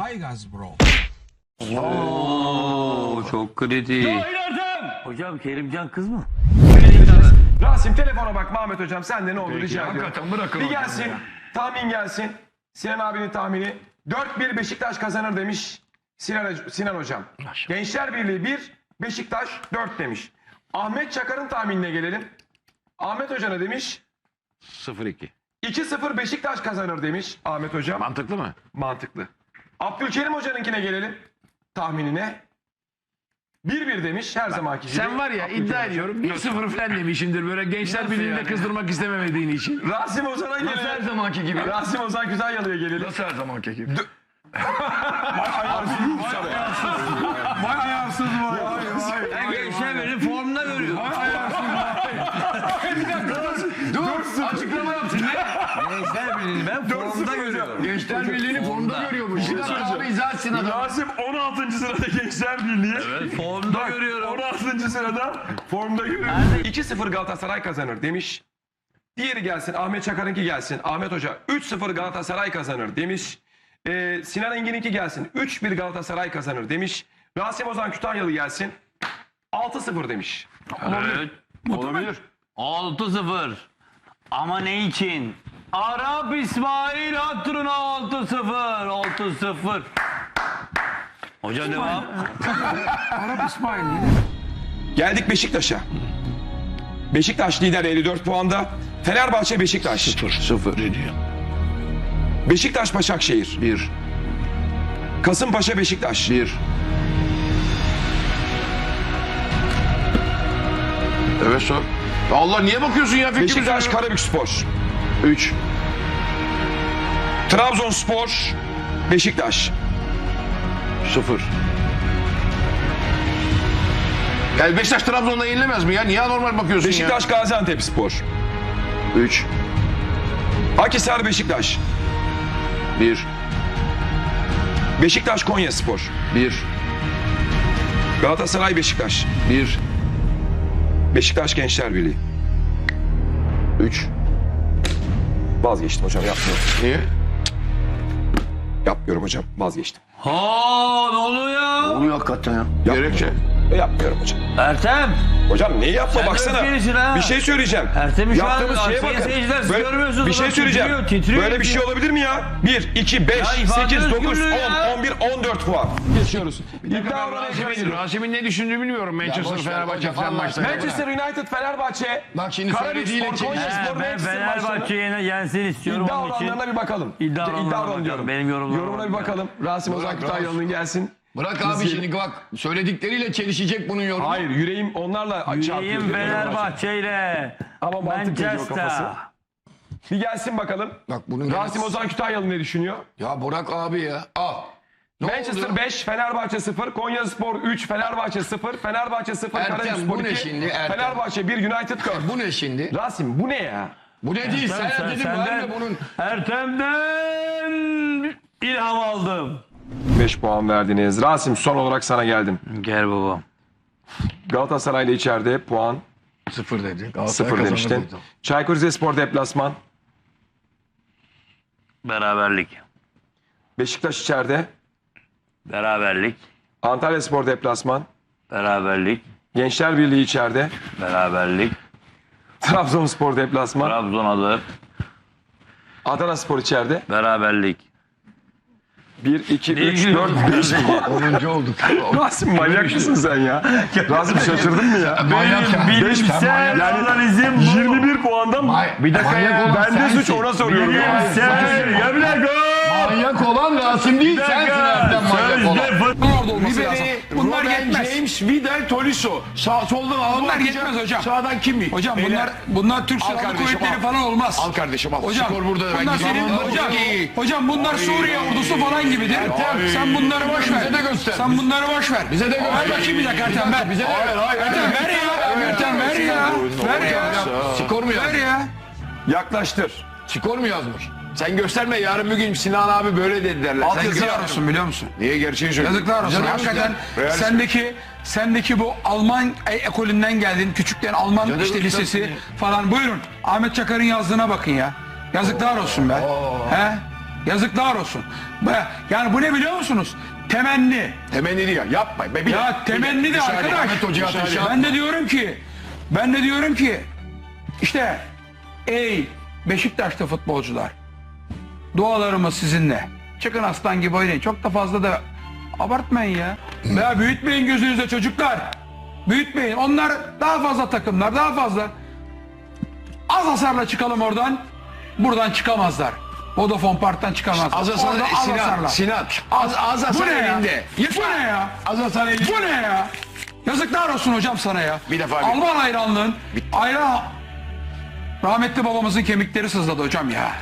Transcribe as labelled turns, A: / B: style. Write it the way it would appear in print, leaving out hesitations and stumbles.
A: Hi guys bro.
B: Oo, çok kritik. Hocam Kerimcan kız mı?
C: Rasim telefona bak Mahmet hocam, sen de ne olur rica ediyorum.
D: Hakikaten bırakın
C: Bir
D: hocam
C: gelsin,
D: ya.
C: tahmin gelsin. Sinan abinin tahmini. 4-1 Beşiktaş kazanır demiş Sinan hocam. Gençler Birliği 1, Beşiktaş 4 demiş. Ahmet Çakar'ın tahminine gelelim. Ahmet Hoca ne demiş?
D: 0-2.
C: 2-0 Beşiktaş kazanır demiş Ahmet hocam.
D: Mantıklı mı?
C: Mantıklı. Abdülkerim Hoca'nınkine gelelim. Tahminine. 1-1 demiş her zamanki gibi.
D: Sen var ya iddia ediyorum 1-0 falan demişindir böyle Gençler Birliği'ni de kızdırmak istememediğin için.
C: Rasim Ozan'a
D: Nasıl her
C: gelelim.
D: zamanki gibi?
C: Rasim Ozan Güzelyalı'ya gelelim.
D: Nasıl her zamanki gibi?
B: Gençler Birliği formda görüyor.
D: Dur açıklama yapsın ne?
B: Gençler Birliği ben formda görüyorum.
D: Gençler Birliği'ni formda görüyormuş. Bir dakika abi izah etsin adam.
C: Rasim 16. sırada Gençler Birliği.
B: Evet, formda görüyorum.
C: 16. sırada formda görüyor. 2-0 Galatasaray kazanır demiş. Diğeri gelsin, Ahmet Çakar'ınki gelsin. Ahmet Hoca 3-0 Galatasaray kazanır demiş. Sinan Engin'inki gelsin. 3-1 Galatasaray kazanır demiş. Rasim Ozan Kütahyalı gelsin. 6-0 demiş.
B: Evet.
D: Olabilir.
B: 6-0. Ama ne için? Arap İsmail hatırına 6-0. 6-0. Hoca devam.
C: Geldik Beşiktaş'a. Beşiktaş lider 54 puanda. Fenerbahçe Beşiktaş.
D: 0 ne diyor?
C: Beşiktaş Başakşehir.
D: 1
C: Kasımpaşa Beşiktaş.
D: 1. Evet sor. Allah niye bakıyorsun ya fikrimize?
C: Beşiktaş Karabükspor.
D: 3
C: Trabzonspor Beşiktaş.
D: 0. Yani Beşiktaş Trabzon'da yenilemez mi ya? Niye normal bakıyorsun
C: Beşiktaş Gaziantepspor.
D: ya? 3
C: Akhisar Beşiktaş.
D: 1
C: Beşiktaş Konyaspor.
D: 1
C: Galatasaray Beşiktaş.
D: 1
C: Beşiktaş Gençler Birliği.
D: 3
C: Vazgeçtim hocam, yapmıyorum.
D: Niye?
C: Yapmıyorum hocam, vazgeçtim.
B: Ha ne oluyor ya?
D: Oluyor hakikaten ya. Gerekçe.
C: Yapmıyorum hocam.
B: Ertem.
C: Hocam neyi yapma,
B: Sen de
C: baksana.
B: öfkelisin ha.
C: Bir şey söyleyeceğim.
B: Ertem'i şu an
C: Yaptığımız şeye
B: sayın
C: bakın.
B: seyirciler, siz görmüyorsunuz
C: Bir şey
B: adam,
C: söyleyeceğim.
B: titriyor,
C: Böyle bir şey olabilir mi ya? 1, 2, 5,
B: ifade
C: 8, 9, 10,
B: özgürlüğü ya.
C: 11, 14 puan. Geçiyoruz. İddia oranı ekrana geliyor.
D: Rasim'in ne düşündüğünü bilmiyorum Manchester Fenerbahçe falan maçta.
C: Manchester United Fenerbahçe.
D: Bak şimdi söylediğiyle
C: Karabükspor Konyaspor
B: Ben
C: Manchester maçlarını.
B: Fenerbahçe'yi yensin istiyorum
C: İddia
B: onun için.
C: oranlarına bir bakalım.
B: İddia oranlarına
C: oranı
B: bakalım.
C: diyorum.
B: Benim yorumlarıma
C: Yorumuna bir
B: bakalım.
C: bakalım. Rasim Ozan Kütahyalı'nın gelsin.
D: Bırak abi şimdi bak söyledikleriyle çelişecek bunun yorumu.
C: Hayır, yüreğim onlarla çarpıyor.
B: Yüreğim Fenerbahçe ile
C: Ama mantık ediyor kafası.
B: Manchester.
C: Bir gelsin bakalım.
D: Bak bunun
C: Rasim Ozan Kütahyalı ne düşünüyor?
D: Ya Burak abi ya. Al. Ne
C: Manchester
D: oldu?
C: 5, Fenerbahçe 0, Konyaspor 3, Fenerbahçe 0, Fenerbahçe 0,
D: Ertem,
C: Karabükspor
D: bu ne
C: 2,
D: şimdi, Ertem?
C: Fenerbahçe 1, United 4.
D: Bu ne şimdi?
C: Rasim bu ne ya?
D: Bu ne değil? Sen dedin ben de bunun.
B: Ertem'den ilham aldım.
C: 5 puan verdiniz. Rasim son olarak sana geldim.
B: Gel babam.
C: Galatasaray'la içeride puan
D: 0 dedi.
C: 0 demiştin. Çaykur Rizespor deplasman.
B: Beraberlik.
C: Beşiktaş içeride.
B: Beraberlik.
C: Antalyaspor deplasman.
B: Beraberlik.
C: Gençler Birliği içeride.
B: Beraberlik.
C: Trabzonspor deplasman.
B: Trabzon alır.
C: Adanaspor içeride.
B: Beraberlik.
C: 1, 2, 3, 4, 5 puan.
D: 10. olduk.
C: Rasim manyak mısın sen ya? Rasim şaşırdın mı ya?
D: Manyak ya.
B: Bilimsel analizim bu.
C: 21 puandan
D: Bir dakika ya.
C: bende suç ona soruyorum.
B: Bilimsel. Ya bir dakika.
D: Manyak olan Rasim değil sensin Ertem manyak olan.
E: Bunlar yetmez.
D: James, Vidal, Tolisso. Soldan alalım.
E: Bunlar yetmez hocam.
D: Sağdan kim mi?
E: Hocam bunlar Türk Silahlı
D: kardeşim,
E: Kuvvetleri
D: al.
E: falan olmaz.
D: Al kardeşim al.
E: Hocam
D: Skor burada.
E: bunlar senin hocam bunlar Suriye ordusu falan gibidir. Sen bunları boş ver.
D: Bize de göster.
E: Sen bunları boş ver.
D: Bize de göster.
E: Ver bakayım bir dakika Ertem ver.
D: Bize de ver.
E: Ertem ver ya. Ertem ver ya. Ver ya.
D: Skor mu
E: Ver
D: yazmış?
E: ya.
C: Yaklaştır.
D: Skor mu yazmış? Sen gösterme yarın bir gün Sinan abi böyle dedi derler. Sen
E: Yazıklar olsun biliyor musun?
D: Niye gerçeği söylüyorsun?
E: Yazıklar olsun. Hakikaten sendeki bu Alman ekolünden geldin. Küçükten Alman
D: Canım,
E: işte lisesi
D: tabii.
E: falan. Buyurun. Ahmet Çakar'ın yazdığına bakın ya. Yazıklar olsun be. He? Yazıklar olsun. Yani bu ne biliyor musunuz? Temenni.
D: Temenni diyor. Yapma.
E: Ya temenni de arkadaş.
D: Ahmet Hoca'ya ateş yapma.
E: Ben de diyorum ki işte ey Beşiktaşlı futbolcular, dualarımız sizinle. Çıkın aslan gibi oynayın. Çok da fazla da abartmayın ya. Veya büyütmeyin gözünüzde çocuklar. Büyütmeyin. Onlar daha fazla takımlar, daha fazla. Az hasarla çıkalım oradan. Buradan çıkamazlar. Vodafone Park'tan çıkamazlar.
D: Az hasar
E: Orada az hasarla.
D: Sinan. Az
E: Bu
D: hasar
E: ne ya?
D: elinde.
E: Bu ne ya?
D: Az hasar elinde.
E: Bu ne ya? Yazıklar olsun hocam sana ya.
D: Bir defa
E: Alman hayranlığın. Hayran. Rahmetli babamızın kemikleri sızladı hocam ya.